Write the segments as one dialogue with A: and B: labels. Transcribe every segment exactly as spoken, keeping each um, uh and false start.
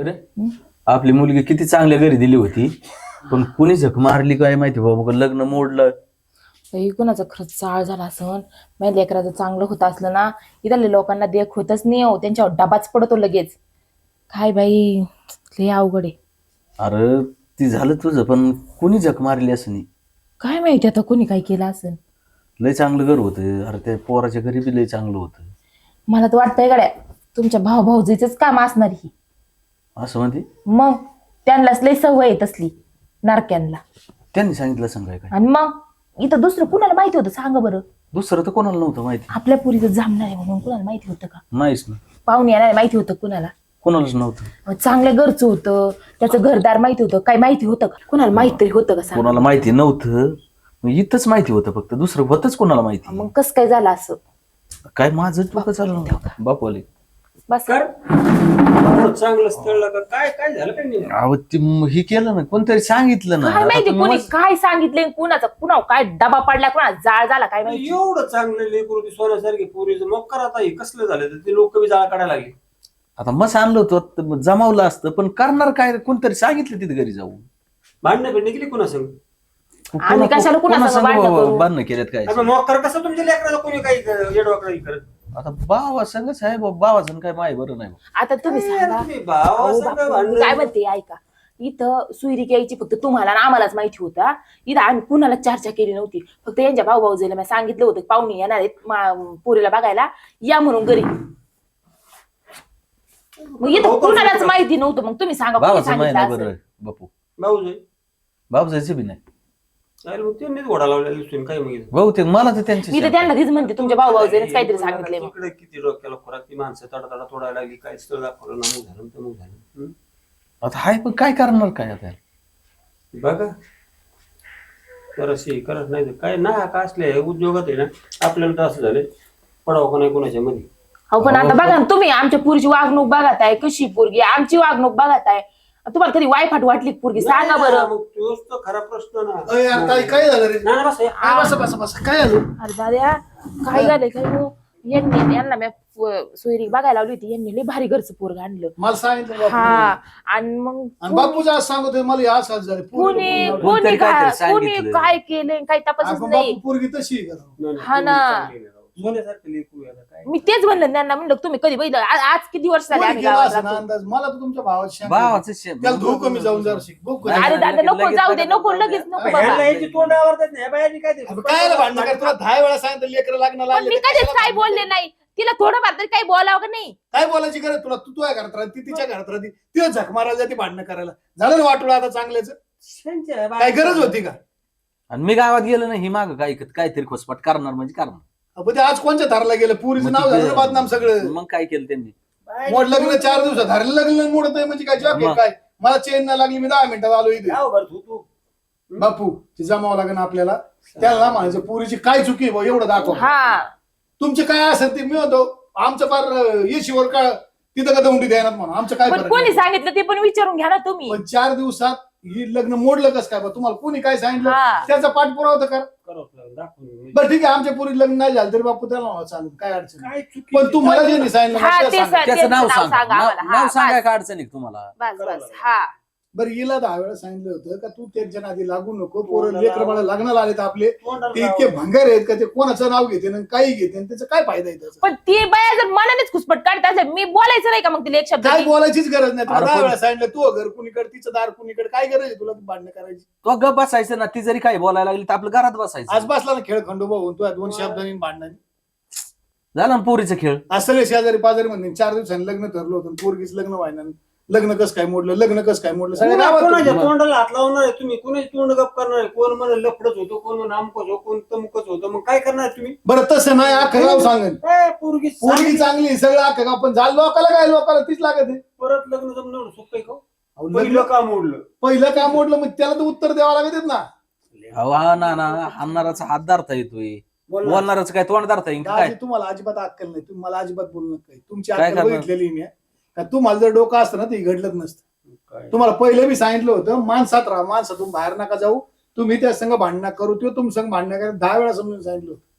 A: रे आपली मुलगी किती चांगल्या घरी दिली होती पण कुणी झक मारली काय माहिती बाबा लग्न मोडलं.
B: कुणाचं खरंच चाळ झाला असं माझ्या लेकराचं चांगलं होत असलं ना इथल्या लोकांना देख होतच नाही हो त्यांच्यावर डबाच पडतो लगेच. काय बाई लय अवघड आहे.
A: अरे ती झालं तुझं पण कुणी झक मारली असं नाही.
B: काय माहिती आता कोणी काय केलं असेल.
A: लय चांगलं घर होतं. अरे त्या पोराच्या घरी बी लय चांगलं होतं.
B: मला तर वाटतंय गड्या तुमच्या भाऊ भाऊजीच काम असणार ही.
A: असं म्हणते
B: मग त्यांनाच लय सवय आहे तसली नारक्यांना.
A: त्यांनी सांगितलं सांगाय काय
B: आणि मग इथं दुसरं कुणाला माहिती होतं सांगा बरं.
A: दुसरं तर कोणाला नव्हतं माहिती.
B: आपल्या पुरीचं जमणार आहे म्हणून कुणाला माहिती होतं का.
A: नाहीच ना.
B: पाहुणे येणार माहिती होतं कुणाला.
A: कोणालाच नव्हतं.
B: चांगल्या घरचं होतं त्याचं घरदार माहिती होतं काय माहिती होतं का कुणाला माहिती तरी होतं का.
A: कोणाला माहिती नव्हतं इथंच माहिती होतं फक्त दुसरं होतच कोणाला माहिती.
B: मग कसं काय झालं असं.
A: काय माझं डोकं चाललं नव्हतं बापवाले.
B: बस
C: चांगलं स्थळ का काय काय झालं काय नाही.
A: अहो ती हे केलं ना कोणतरी सांगितलं ना.
B: काय
A: आता
B: माहिती
A: तुम्ही
B: कोणी
A: मस्त-
B: काय सांगितलंय कुणाचा कुणा काय डबा पडला कुणा जाळ झाला काय माहिती.
C: एवढं चांगलं लेकरू ती सोन्यासारखी पोरीचं मग करत आहे कसलं झालं तर ते लोक बी जाळा काढायला लागले.
A: आता मस्त आणलं होतं जमावलं असतं पण करणार काय कोणतरी सांगितलं तिथे घरी जाऊन.
C: भांडणं भिडणं केली कुणा संग.
B: आम्ही कशाला कुणा संग भांडणं करू?
A: बांधणं केल्यात काय.
C: अरे मग कर कसं तुमच्या लेकराचं कोणी काही येडवाकडे करत.
A: आता बावा संगच आहे बाबाचं काय माय बरं नाही.
B: आता तुम्ही सांगा
C: तुम्ही भावा
B: अहो
C: संग
B: बापू,
C: भांडणं-
B: काय म्हणते ऐका इथं सुईरी यायची फक्त तुम्हाला आणि आम्हालाच माहिती होता. इथं आम्ही कुणाला चर्चा केली नव्हती फक्त यांच्या भाऊ भाऊजीला मी सांगितलं होतं पाहुणे येणार आहेत मा- पोरीला बघायला या म्हणून घरी. मग इथं कुणालाच माहिती नव्हतं मग तुम्ही सांगा कोणी
A: बाबाचं माय
B: सांगितलं
A: नाही
B: असेल?
A: बरं बापू.
C: भाऊ जाई
A: बाबू जायचं बी नाही
C: चालेल मग त्यांनीच घोडा लावलेला दिसून काय मग इथं.
A: बहुतेक मला तर
B: मी
A: त्यांची
B: तर त्यांना तीच म्हणते तुमच्या भाऊ भाऊजीनेच काहीतरी सांगितलंय मग.
C: इकडे किती डोक्याला खोराक ती माणसं तडा तडा तोडायला लागली काय स्थळ दाखवलं ना मग झालं तमग झालं. हम्म?
A: आता हाय पण काय करणार काय आता.
C: बघा करशी करत नाही तर काय ना का असले उद्योगात आहे ना आपल्याला तर असं झालं पडावं का नाही कोणाच्या मध्ये.
B: हो पण आता बघा ना तुम्ही आमच्या पुरीची वागणूक बघत आहे कशी पोरगी आमची वागणूक बघत आहे. तुम्हाला कधी वायफाट वाटली पोरगी सांगा बरं.
C: मग तोच तर खरा प्रश्न ना.
D: अय यार काय काय झालं रे.
C: ना ना बस हे.
D: काय बस बस बस काय झालं.
B: अरे दाद्या काय झालंय काय हो? यांनी यांना मी सोयरी बघायला लावली होती यांनी लय भारी घरचं पोरग आणलं.
D: मला सांगितलं बापू.
B: हा आणि मग
D: आणि बापूचं आज सांगतोय मला या असं झालं
B: कोणी
D: पोरगी-
B: कोणी
A: कोणतरी
B: काय
A: काहीतरी
B: कोणी
A: सांगितलं.
B: काय केलंय काही तपासच
D: आपण
B: नाही.
D: बापू पोरगी तशी आहे का.
C: नाही, नाही,
B: हा ना.
C: चांगली आहे राव. सोन्यासारखं लेकरू आहे आता काय.
B: मी तेच म्हणलं त्यांना म्हणलं तुम्ही कधी बघितलं आ- आज किती वर्ष झाले
D: कोणी
B: आम्ही
D: केला
B: गावात
D: असं ना
B: राहतो.
D: अंदाज मला तर तुमच्या भावाची
A: भावाचं शेण.
D: त्याला धू कमी जाऊन जरा शिक बघ कधी.
B: अरे दादा नको
A: लगेच
B: जाऊ दे
A: बघा,
B: नको
A: बघा.
B: लगेच नको
C: अबे,
B: बाबा.
C: ह्यांना याची तोंड आवडतात नाही ह्या बायांनी काय ते-
D: अबे, काय रे भांडण कर तुला दहा वेळा सांगितलं लेकर लागणार
B: पण मी कधीच काय बोलले नाही तिला थोडंफार तरी काही बोलावं का नाही.
D: काय बोलायची गरज तुला तू तुझ्या घरात राहते ती तिच्या घरात राहते तिला झक मारायला जाते भांडणं करायला झालं ना वाटोळं आता चांगल्याच
C: त्यांच्या
D: काय गरज होती का.
A: आणि मी गावात गेलो नाही ही माग काय काहीतरी खोसपाट करणार म्हणजे करणार.
D: अबे, ते आज कोणच्या धारला गेलं पुरीचं
A: मग
D: नाव
A: तिथे-
D: झालं ना बदनाम सगळं.
A: मग काय केलं त्यांनी.
D: मोड लग्न चार दिवसात धारलं लग्न मोडत आहे म्हणजे काय जॉब
A: मग.
D: काय मला चेन नाही लागली मी दहा मिनिटात आलो इथे.
C: जाऊ बरं तू तू
D: बापू ती जमावं लागेल आपल्याला त्याला म्हणायचं पुरीची काय चुकी आहे बुवा, एवढं दाखव.
B: हा
D: तुमचे काय असेल ते मी होतो आमचं फार येशीवर का तिथं का दौंडी द्यायला म्हणून आमचं काय
B: पण
D: फरक
B: कोणी
D: नाही.
B: सांगितलं ते पण विचारून घ्या ना तुम्ही.
D: पण चार दिवसात ही लग्न मोडलं कसं काय बा? तुम्हाला कोणी काय सांगितलं
B: हा.
D: त्याचा पाठपुरावा तर कर.
C: करावंच लागेल, दाखवून.
D: बरं ठीक आहे आमच्या पुरी लग्न नाही झालं तरी बापू त्याला म्हणावं चालेल काय अडचण नाही.
C: काय चुकी
D: पण तुम्हाला जे नाही सांगितलं
B: हा,
D: मला ते
B: ते
D: सांगा.
B: सा-
A: त्याचं नाव
B: नाव
A: सांग
B: सांगा आम्हाला. हा,
A: नाव
B: बस.
A: सांगाय का अडचण आहे तुम्हाला.
B: बस बस हा
D: बरं हिला दहा वेळा सांगितलं होतं का तू त्याच्या नादी लागू नको पोरं लेकर बाळा लग्नाला आले तर आपले ते इतके भंगार आहेत का ते कोणाचं नाव घेते आणि काही घेते आणि त्याचं काय फायदा आहे त्याचा.
B: पण ती बाया जर मनानेच खुसपट काढत असेल मी बोलायचं नाही का मग तिला एक शब्द
D: काय
B: की-
D: बोलायचीच गरज नाही तुला
A: अरे
D: दहा
A: पण-
D: वेळा सांगितलं तू घर कुणीकडे तिचं दार कुणीकडे काय गरज आहे तुला भांडणं करायची.
A: तो गप बसायचं ना ती जरी काही बोलायला लागली तर आपलं घरात
D: आज
A: बसायचं.
D: बसला ना खेळ खंडोबा होऊन तुला दोन शब्दांनी भांडणाने
A: झालं ना पोरीचा खेळ.
D: आज सगळे शेजारी पाजारी म्हणते चार दिवसांनी लग्न ठरलं होतं पोरगीच लग्न व्हायना लग्न कसं काय मोडलं लग्न कसं काय मोडलं सगळ्या
C: कोणा-
D: गावात
C: कोणाच्या
D: होतं.
C: तोंडाला हात लावणार आहे तुम्ही कोणाची तोंड गप करणार आहे कोण म्हणा लफडच होतो कोण म्हणा आमकच होतो कोण तमकच होतं मग काय करणार तुम्ही.
D: बरं तसं नाही अख्खं गाव सांगेन
C: ए, पोरगी
D: पोरगी
C: चांगली.
D: चांगली सगळं अख्खं गाव पण झालं लोकाला काय लोकाला तीच लागत आहे.
C: परत लग्न जमणार सुख का
D: अहो,
C: पहिलं
D: लग्न
C: का मोडलं.
D: पहिलं काय मोडलं मग त्याला तर उत्तर द्यावं लागत ना.
A: अहो, हा ना ना हाणणाराचा हात धरता येतोय
C: बोल ना.
A: बोलणारच काय तोंड धरता येईल काय.
D: दाजी तुम्हाला अजिबात अक्कल नाही तुम्ही मला अजिबात बोलू नका तुमची
A: काय
D: अक्कल
A: करणार?
D: बघितलेली मी का तुम्हाला जर डोकं असतं ना ते घडलंच नसतं.
C: काय?
D: तुम्हाला पहिलं मी सांगितलं होतं माणसात राहा माणसातून बाहेर नका जाऊ तुम्ही त्या संघ भांडणं करू किंवा तुम संघ भांडणं करा दहा वेळा समजून सांगितलं होतं.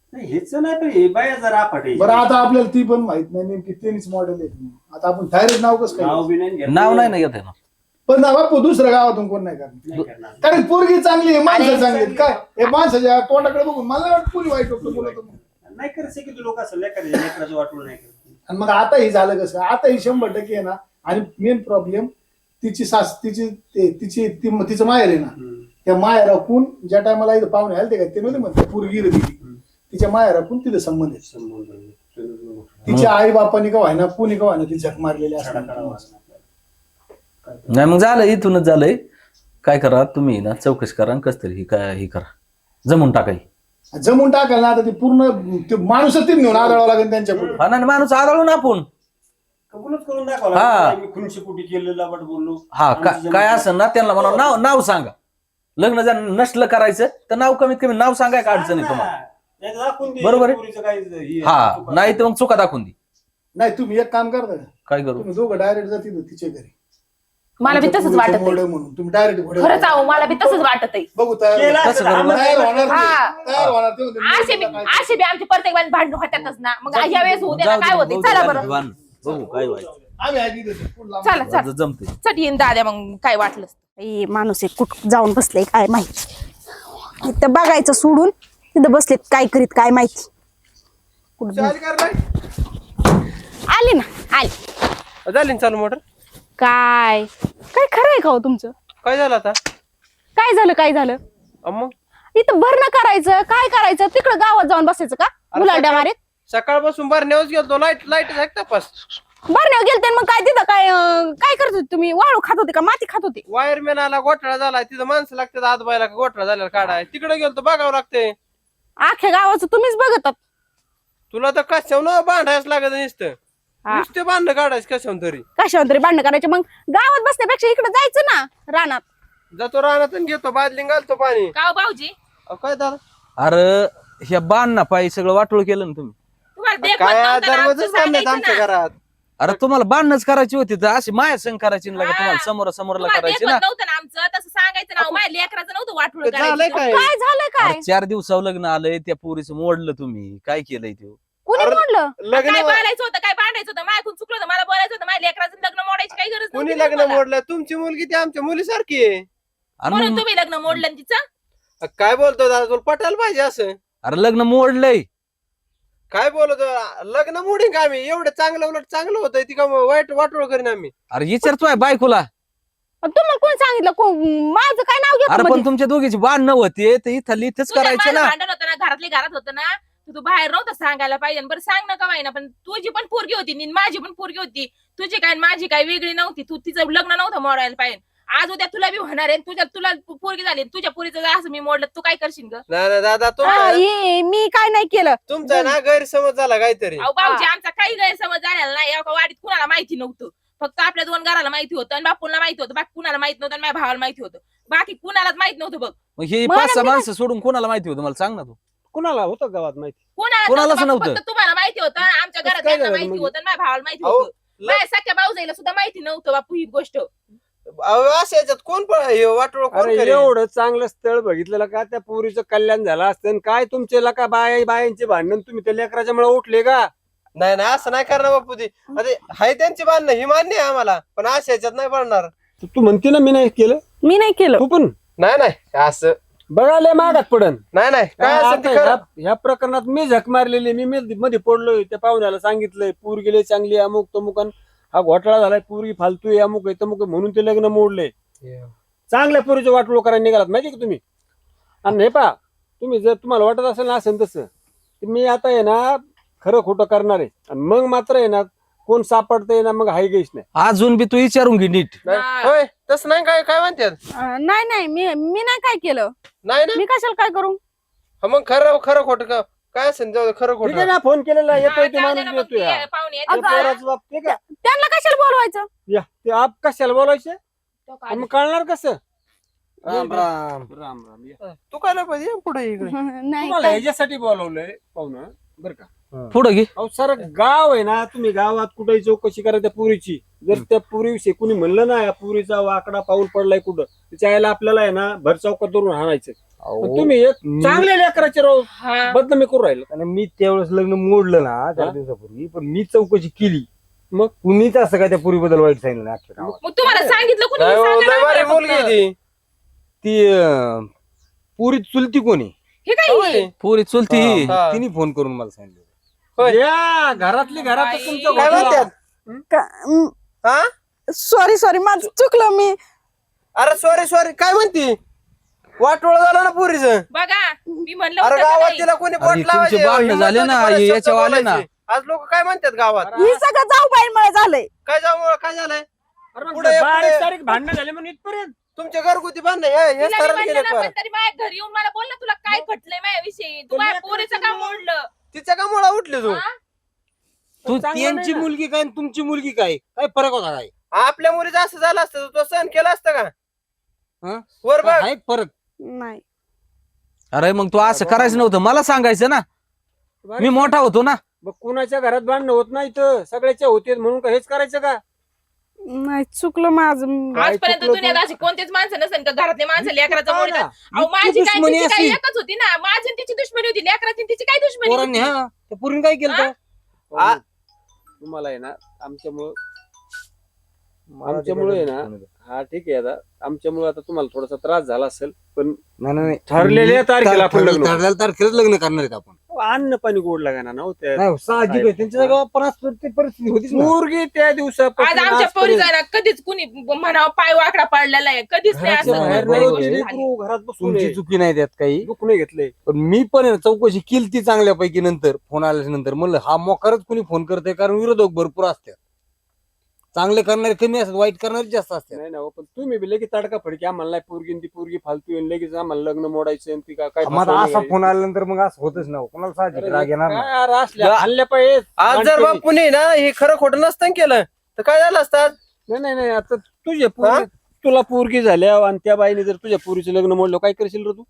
C: नाही, हेच नाही पण हे बाया जरा आपट आहे.
D: बरं आता आपल्याला ती पण माहित नाही नेमकी तेच मॉडेल आहे. आता आपण डायरेक्ट नाव कसं
C: नाव
D: काय
C: बी नाही घेत.
A: नाव नाही ना घेत आहे ना.
D: पण ना बापू दुसऱ्या गावातून कोण नाही करणार.
C: नाही करणार.
D: कारण पोरगी चांगली आहे, माणसं
B: अरे,
D: चांगली आहेत. काय हे माणसाच्या तोंडाकडे बघून मला नाही वाटत कोणी वाईट वाटतं बोलत.
C: नाही करत की लोक असं लेकराच्या लेकराचं वाटून नाही करत.
D: आणि मग आता ही झालं कसं, आता ही शंभर टक्के आहे ना. आणि मेन प्रॉब्लेम तिची सास तिची ते- तिची ती- तिचं माहेर आहे ना.
C: हम्म.
D: त्या माहेर राखून ज्या टायमाला इथं पाहुणे आले ते काय ते नव्हते म्हणते पोरगी दिली तिच्या माहेर राखून तिथं संबंध आहे.
C: संबंध आहे. चलो,
D: तिच्या आई बापानी का व्हायना कुणी का व्हायना ती झक मारलेली
C: छडा
D: असतात.
C: करावा असं आपल्याला.
A: नाही मग झालं इथूनच झालंय. काय करा तुम्ही ना चौकशी करा आणि कस तरी ही काय ही करा जमून टाकाय.
D: जमून टाकायला ना आता ती पूर्ण ते माणूसच ती नेऊन आदळावं लागेल त्यांच्या पुढे.
A: हा ना माणूस आदळून आपण
C: कबूलच करून दाखवलं
A: हा.
C: मी खुनशी कुठे केलेला बट बोललो.
A: हा का- काय असं ना त्यांना म्हणा नाव नाव सांगा. लग्न जर नसलं करायचं तर नाव कमीत कमी नाव सांगाय का अडचण आहे तुम्हाला.
C: नाही तर दाखवून दे,
A: बरोबर आहे.
C: पोरीचं काही हे-
A: हा
C: चुका.
A: नाही तर मग चुका दाखवून दे.
D: नाही तुम्ही एक काम करता का,
A: काय करू
D: तुम्ही दोघं डायरेक्ट जातील तिच्या घरी.
B: मला बी
D: आमच्या
B: तसंच
D: पोरीचं
B: वाटत
D: मोडं
B: आहे.
D: म्हणून तुम्ही डायरेक्ट घोडे
B: खरंच आहो मला बी तसंच वाटत आहे.
D: बघू तयार
C: केलं
D: होणार.
A: कसं
C: असतं,
A: करू?
C: आम्हाला
D: तयार होणार
B: हा.
D: नाही. तयार होणार ते म्हणते,
B: असे बी
D: काय-
B: असे बी आमचे प्रत्येक वेळेस भांडण होतातच ना. मग ह्या वेळेस होऊ दे ना,
A: जाऊ दे,
B: काय होते
A: बघू
B: चला
A: दे,
B: बरं.
A: दिवाण. बघू काय व्हायचं.
D: आम्ही ऐकली तशी. पुढं
B: चला
D: लांब.
B: चला
A: जमते.
B: चट येईन दाद्या मग काय वाटलं.
E: ए माणूस एक कुठ जाऊन बसले काय माहिती. इथं बघायचं सोडून तिथं बसलेत काय करीत काय माहिती. कुठं
D: चाल कर बाई.
E: आली ना आली.
F: झाली ना चालू मोटर.
E: काय काय खरं आहे का हो तुमचं.
F: काय झालं आता.
E: काय झालं काय झालं.
F: अं मग
E: इथं भरणं करायचं काय करायचं तिकडं गावात जाऊन बसायचं का मुलाड्या मारीत.
F: सकाळपासून भरण्यावर गेलो लाईट लाईट आहे तपास.
E: भरण्यावर गेलते मग काय तिथं काय अं, काय करत होते तुम्ही वाळू खात होते का माती खात होते.
F: वायरमॅन आला घोटाळा झाला तिथं माणसं लागतात आत बायला घोटाळा झालेला काढाय तिकडे गेलो बघावं लागते.
E: अख्ख्या गावाचं तुम्हीच बघतात.
F: तुला तर कशावर बांधायच लागत नुसतं
E: हा.
F: नुसते बांधणं काढायचं कशावर तरी.
E: कशावर तरी भांडण करायचे मग गावात बसण्यापेक्षा इकडे जायचं ना रानात.
F: जातो रानात आणि घेतो बादली घालतो पाणी.
B: का हो भाऊजी
F: अहो, काय दादा
A: अरे ह्या बाण ना पायी सगळं वाटोळ केलं ना तुम्ही.
B: तुम्हाला देखवत
F: काय
B: नव्हतं ना, आमचं
F: दरवाजच बांधण्यात
B: सांगायचं
F: आमच्या
B: ना.
F: घरात.
A: अरे तुम्हाला बांधणच करायची होती तर अशी माया संग करायची ना लगा तुम्हाला
B: हा.
A: समोर समोरला
B: तुम्हाला
A: करायची
B: देखवत
A: ना.
B: नव्हतं ना आमचं तसं सांगायचं ना. माझ्या लेकराचं नव्हतं वाटूळ
F: ते झालंय
B: करायचं.
F: काय
E: काय झालं काय
A: अरे चार दिवसावर लग्न आलंय त्या पोरीचं मोडलं तुम्ही काय केलंय ते.
E: कुणी
F: अरे,
E: म्हणलं.
F: लग्न
B: काय बोलायचं होतं काय भांडायचं होतं माझ्याकडून चुकलं होतं. मला बोलायचं होतं माझ्या लेकराचं लग्न मोडायची काही गरज
F: कुणी
B: नव्हती
F: लग्न
B: तुम्हाला.
F: मोडलं तुमची मुलगी ती आमच्या मुलीसारखी आहे.
A: आणि
B: म्हणून
A: मग-
B: तुम्ही लग्न मोडलं ना तिचं.
F: अ, काय बोलतो दादा तुला पटायला पाहिजे असं.
A: अरे लग्न मोडलंय.
F: काय बोलतो लग्न मोडीन का आम्ही एवढं चांगलं उलट चांगलं होतं ती का वाईट वाटोळ करीन आम्ही.
A: अरे विचारतोय बायकोला.
E: तुम्हाला कोण सांगितलं को- माझं काय नाव
A: अरे
E: घेतो
A: पण तुमच्या दोघीची बाण नव्हते तर इथं इथंच
B: तुझ्या
A: करायचं
B: माझं
A: ना.
B: भांडण होतं ना घरातली घरात होतं ना. तू तू बाहेर नव्हतं सांगायला पाहिजे. बरं सांग ना का ना पण तुझी पण पोरगी होती नी माझी पण पोरगी होती. तुझी काय आणि माझी काय वेगळी नव्हती. तू तिचं लग्न नव्हतं मोडायला पाहिजे. आज उद्या तुला बी होणार आहे. तुझ्या तुला पोरगी झाली तुझ्या पोरीचं जर असं मी मोडलं तू काय करशील ग.
F: नाही नाही दादा
E: हा,
F: तुमचा
E: हे मी काय नाही केलं.
F: तुमचा ना गैरसमज झाला काहीतरी.
B: अहो भाऊजी आमचा काही गैरसमज झालेला नाही. एका वाडीत कुणाला माहिती नव्हतं. फक्त आपल्या दोन घराला माहिती होतं आणि बापूला माहिती होतं. बाकी कुणाला माहित नव्हतं आणि माझ्या भावाला माहिती होतं. बाकी कुणालाच माहित नव्हतं बघ.
A: मग ही
E: मला
A: पाच सहा
E: नाही
A: माणसं सोडून कोणाला माहिती होतं मला सांग ना तू.
F: कुणाला होतं गावात माहिती.
B: कुणाला
A: कोणालाच
B: नव्हतं.
A: नव्हतं.
B: फक्त तुम्हाला माहिती होतं. आमच्या घरात
F: काय
B: त्यांना
F: झालं
B: माहिती
F: म्हणजे?
B: होतं आणि माझ्या भावाला माहिती
F: अहो,
B: होतं. माझ्या सख्या भाऊजाईला सुद्धा माहिती नव्हतं बापू ही गोष्ट.
F: अहो, असं याच्यात कोण पण हे वाटोळ कोण
G: अरे
F: करेल?
G: एवढं चांगलं स्थळ बघितलेलं का त्या पोरीचं कल्याण झालं असतं आणि काय तुमचे का बाया बायांचे भांडण तुम्ही त्या लेकराच्या मुळे उठले का.
F: नाही नाही असं नाही करणार बापू ती. अरे हाय त्यांची बांधणं ही मान्य आहे आम्हाला पण अशा याच्यात नाही पडणार.
G: तू तू म्हणते ना मी नाही केलं
E: मी नाही केलं.
G: तू पण
F: नाही नाही असं
G: बघायला मागात पडन.
F: नाही नाही काय असेल ते
G: आता
F: खरं.
G: ह्या- ह्या प्रकरणात मी झक मारलेली मी मध्ये मध्ये पडलोय त्या पाहुण्याला सांगितलंय पूर गेले चांगली अमुक तमुक अन हा घोटाळा झालाय पूर्वी फालतू आहे अमुक आहे तमुक आहे म्हणून ते लग्न मोडले. चांगल्या पोरीचे वाटलो करायला निघालात माहिती का तुम्ही. आणि हे पा तुम्ही जर तुम्हाला वाटत असेल ना असेल तसं तर मी आता आहे ना खरं खोटं करणार आहे आणि मग मात्र आहे ना कोण सापडतंय ना मग हाय गेस नाही.
A: अजून बी तू विचारून घे नीट.
F: नाही. होय तसं नाही काय काय म्हणतात.
E: अं, नाही नाही मी मी नाही काय केलं.
F: नाही ना
E: मी कशाला काय करू.
F: हा, मग खरं खरं खोटं का काय असेल जाऊ दे, खरं
G: ठीक आहे
F: खोटं.
G: ना फोन केलेला येतोय ते
B: हा,
G: माणूस
B: जाऊ दे ना मग
G: येतोय
B: ते
G: हा.
B: पाहुणे येतात
E: अगं,
B: ना.
G: पोराचं बाप ते का
E: त्यांना कशाला बोलवायचं.
G: या ते आप कशाला बोलायचे
B: तो काय
G: मग कळणार कसं.
F: राम राम
G: राम राम या.
F: तू काय नाही पाहिजे पुढे इकडे.
E: नाही
G: तुम्हाला
E: काय-
G: ह्याच्यासाठी बोलवलंय पाहुणं बरं का.
A: पुढे घे.
G: अहो सर गाव आहे ना तुम्ही गावात कुठेही चौकशी करा त्या पुरीची. जर त्या पुरीविषयी कुणी म्हणलं ना या पुरीचा वाकडा पाऊल पडलाय कुठं त्याच्या आईला आपल्याला आहे ना भर चौकात धरून हाणायचं. पण तुम्ही एक चांगल्या लेकराचे राहू
B: हा.
G: बदनामी करू राहिलो.
H: आणि मी त्यावेळेस लग्न मोडलं ना चार
G: हा?
H: दिवसापूर्वी, पण मी चौकशी केली.
G: मग?
H: कुणीच असं काय त्या पूर्वीबद्दल वाईट सांगितलं नाही अख्ख्या गावात.
B: मग तुम्हाला सांगितलं कुणी
F: नाही,
B: सांगा
F: लय
B: ना
F: भारी
B: मला
F: मुलगी
B: फक्त.
F: ती
H: ती अं, पुरी चुलती कोणी
B: हे काय
F: होय.
A: पोरी चुलती ही.
F: हा.
H: तिने फोन करून मला सांगितलं.
F: होय.
G: या घरातली घरात
B: बाई.
G: तुमच्या
F: काय
G: घोटाळा.
F: म्हणतात हा
E: सॉरी सॉरी माझं चुकलं मी
F: अरे सॉरी सॉरी काय म्हणती वाटोळ झालं ना पुरीचं.
B: बघा मी म्हणलं
F: अरे
B: होतं का
F: गावात
B: नाही?
F: तिला कोणी
A: अरे,
F: बोट
A: तुमचे
F: लावायचे
A: भांडणं
F: हिंमत
A: झाले
F: होती
A: ना,
F: बरेच
A: हे
F: शब्द
A: याच्यावर आले ना.
F: बोलायचे. आज लोक काय म्हणतात गावात
E: ही सगळं जाऊ बाईंमुळे झालंय.
F: काय जाऊ काय झालंय
G: अरे मग
F: पुढे-
G: बारीक
F: पुढे-
G: सारीक भांडणं झाले म्हणून इथपर्यंत.
F: तुमच्या घरगुती भांडण हे हे
B: तिला मी
F: स्तराला
B: म्हणलं
F: गेले
B: ना,
F: फार.
B: पण तरी माझ्या घरी येऊन मला बोल ना तुला काय खटलंय माझ्याविषयी तू
G: पण
B: माझ्या
G: लेकरं
B: पोरीचं का मोडलं
F: तिच्या का मुळा उठली तू
B: हा?
H: तू
G: चांगलं
H: त्यांची
G: नाही ना.
H: मुलगी काय आणि तुमची मुलगी काय काय फरक होता काय?
F: आपल्या मुलीचं असं झालं असतं तो सहन केला असतं का
H: हा?
F: वर बघ
H: काय फरक?
E: नाही
A: अरे मग तू असं करायचं नव्हतं, मला सांगायचं ना. मी मोठा होतो ना.
G: मग कुणाच्या घरात भांडणं होत नाही तर सगळ्याच्या होते म्हणून का हेच करायचं का?
E: नाही चुकलं माझं.
G: काय
B: आजपर्यंत
G: चुकलं
B: दुनियात
G: तू?
B: अशी कोणतेच माणसं नसेल का घरातले माणसं लेकराचं
G: हा
B: मोडतात.
G: ना.
B: अहो
H: इतकी
B: माझी काय
H: दुश्मनी
B: तिची काय
H: अशी.
B: एकच होती ना माझी आणि तिची दुश्मनी होती लेकराची आणि तिची काय दुश्मनी
H: पोरांनी
B: होती?
H: हा त्या पोरीने काय केलं
B: हा?
H: तर?
F: आ-
G: तुम्हाला आहे ना आमच्यामुळं आमच्यामुळे आहे ना हा ठीक आहे आता आमच्यामुळे आता तुम्हाला थोडासा त्रास झाला असेल पण
H: नाही, नाही, नाही.
G: ठरलेल्या तारखेला आपण लग्न.
H: ठरलेल्या तारखेलाच लग्न करणार आहेत आपण.
G: अन्न पाणी गोड लागाना ना हो त्या
H: नाही साहजिक आहे, त्यांच्या जागा पण असं ते परिस्थिती होतीच ना.
G: पोरगी त्या
B: आज
G: दिवसापासून
B: आमच्या
G: आजपर्यंत
B: पोरीचा ना कधीच कुणी म्हणावं पाय वाकडा पडलेला आहे कधीच नाही
G: घराच्या
B: असं
G: बाहेर
A: बरोबर
G: नाही
A: आहे.
G: गेली, लेकरू घरात बसून
H: तुमची
G: आहे.
H: चुकी नाही त्यात काही.
G: दुःख नाही घेतलंय
H: पण मी पण आहे ना चौकशी केली ती चांगल्यापैकी नंतर फोन आल्याच्या नंतर म्हणलं हा मोकारच कुणी फोन करते, कारण विरोधक भरपूर असतात. चांगले करणारे कमी असतात, वाईट करणारे जास्त असतात.
G: नाही ना हो, पण तुम्ही बी लगेच तडका फडकी आम्हाला नाही पोरगी आणि ती पोरगी फालतू आहे आणि लगेच आम्हाला लग्न मोडायचं आणि ती का- काय
H: मग आता
G: फसवणं
H: असा
G: करायची.
H: फोन आल्यानंतर मग असं होतच ना, कोणाला साहजिक राग येणार ना.
G: काय यार असल्या हल्ल्या पाहिजे
F: आज जर बापूने ना हे खरं खोटं नसतं केलं तर काय झालं असतं
G: नाही नाही नाही आता तुझे पोरगी तुला पोरगी झाल्या आणि त्या बाईने जर तुझ्या पोरीचं लग्न मोडलं काय करशील रे तू?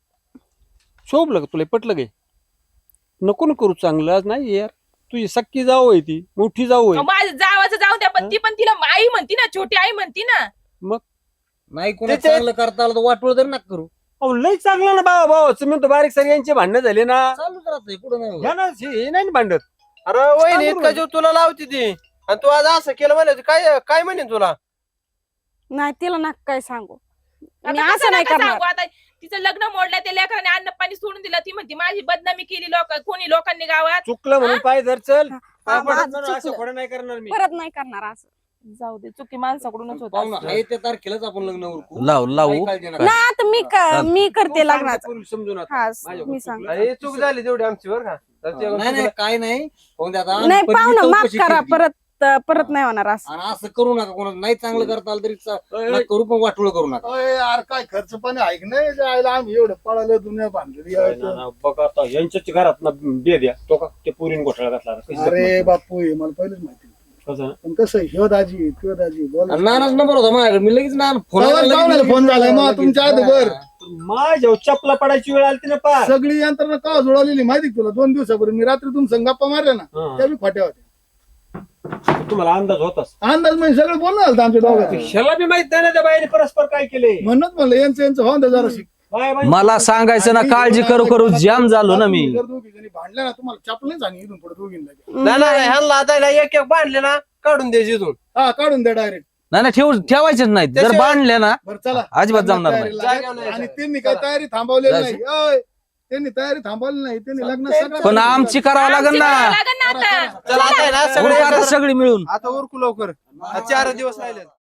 G: शोभलं का तुला पटलं काय? नको ना करू चांगलं आज नाही यार तुझी सक्की जाऊ आहे ती मोठी जाऊ आहे.
B: माझं जावाचं जाऊ द्या पण ती पण तिला आई म्हणती ना छोटी आई म्हणती ना
H: नाही कोणा
F: त्याचे-
H: चांगलं करता आलं तर वाटवळ तरी नका करू.
G: अहो लय चांगलं ना भावा भावाचं म्हणतो बारीक सगळ्यांचे भांडणं झाले ना
H: चालूच राहतंय कुठं नाही होत.
G: ह्या ना हे नाही ना भांडत.
F: अरे वहिनी
G: सांगू
F: इतका
G: ना.
F: जीव तुला लावती ती आणि तू आज असं केलं म्हणे काय काय म्हणेन तुला
E: नाही तिला ना काय सांगू मी
B: आता
E: असं
B: कसं
E: नाही
B: नका
E: करणार.
B: सांगू आता तिचं लग्न मोडलं त्या लेकराने अन्न पाणी सोडून दिलं ती म्हणती माझी बदनामी केली लोक कोणी लोकांनी गावात
G: चुकलं म्हणून पाय धर चल
E: हा,
G: काय
E: माझं
G: पडत नाही, असं
E: चुकलं.
G: खोडं नाही करणार मी.
E: परत नाही करणार असं.
B: जाऊ दे चुकी माणसाकडूनच होत
H: पाहुणा आहे त्या तारखेलाच आपण लग्न उरकू.
A: लाव लावू
H: काही काळजी नका.
E: नाही आता मी क- मी
G: तू
E: करते
G: सांग
E: लग्नाचं.
G: त्या पोरीला समजून आता.
E: हा
G: माझ्या
E: मी
G: चुकलं.
E: सांग
F: अरे चूक झाली तेवढी आमची बरं का तर ते
H: नाही नाही काय नाही पाहून द्या आता.
E: नाही
H: पण मी
E: पाहुणं माफ
H: चौकशी
E: करा
H: केली.
E: परत परत नाही होणार असं.
H: आणि असं करू नका, कोणाला नाही चांगलं करता आलं तरी चा-
G: अय,
H: नका करू, पण वाटोळ करू नका.
D: अय, यार काय खर्च पण ऐक नाही जायला आम्ही एवढं पळालं दुनिया बांधली
G: काय ना ना, बघा आता यांच्याच घरात ना बे द्या तो का ते पोरीने घोटाळा घातला कशी
D: अरे
G: जखमा-
D: बापू हे मला पहिलेच माहिती
G: कसं?
D: पण कसं आहे, ह्यो दाजी ह्यो दाजी बोल
H: आणि नानाच नंबर होता माझ्याकडे, मी लगेच नाना फोन
D: तेव्हाच पाहुण्याला फोन झालाय मग तुमच्या आधीवर.
G: माझ्या चपला पडायची वेळ आली ना पार
D: सगळी यंत्रणा का जुळवलेली माहिती का तुला? दोन दिवसापूर्वी मी रात्री तुमच्या गप्पा मारल्या ना
G: हा.
D: त्या बी खोट्या होत्या.
G: तुम्हाला अंदाज होताच
D: अंदाज म्हणजे सगळं बोलणं झालं आमच्या दोघांचं.
G: ह्याला बी माहित नाही ना त्या बाईने परस्पर काय केले
D: म्हणूनच म्हणलं यांचं यांचं होऊन द्या जरा शिक.
G: बाय बाय
A: मला सांगायचं ना, काळजी करू करू जाम झालो ना मी.
D: जर दोघी जणी भांडल्या ना तुम्हाला चपलेच आणि इथून पुढे दोघींना
F: नाही नाही ह्यांना आता ना एक एक बांधले ना काढून द्यायची इथून
D: हा काढून द्या डायरेक्ट.
A: नाही नाही ठेवू ठेवायचेच नाहीत. जर
F: त्याशिवाय-
A: बांधले ना
D: बरं चला
A: अजिबात जमणार नाही.
D: तयारी लागेल.
F: जागा नाही.
D: आणि त्यांनी काही तयारी थांबवलेली नाही.
A: जायचं.
D: अय, त्यांनी तयारी थांबवली नाही. त्यांनी लग्न सगळं
A: पण आमची करावं लागेल
B: आमची
A: ना.
B: करावं लागेल ना आता
F: चला आता आहे ना
A: उरका
F: सगळे
A: आता सगळी मिळून.
F: आता उरकू लवकर चार दिवस राहिले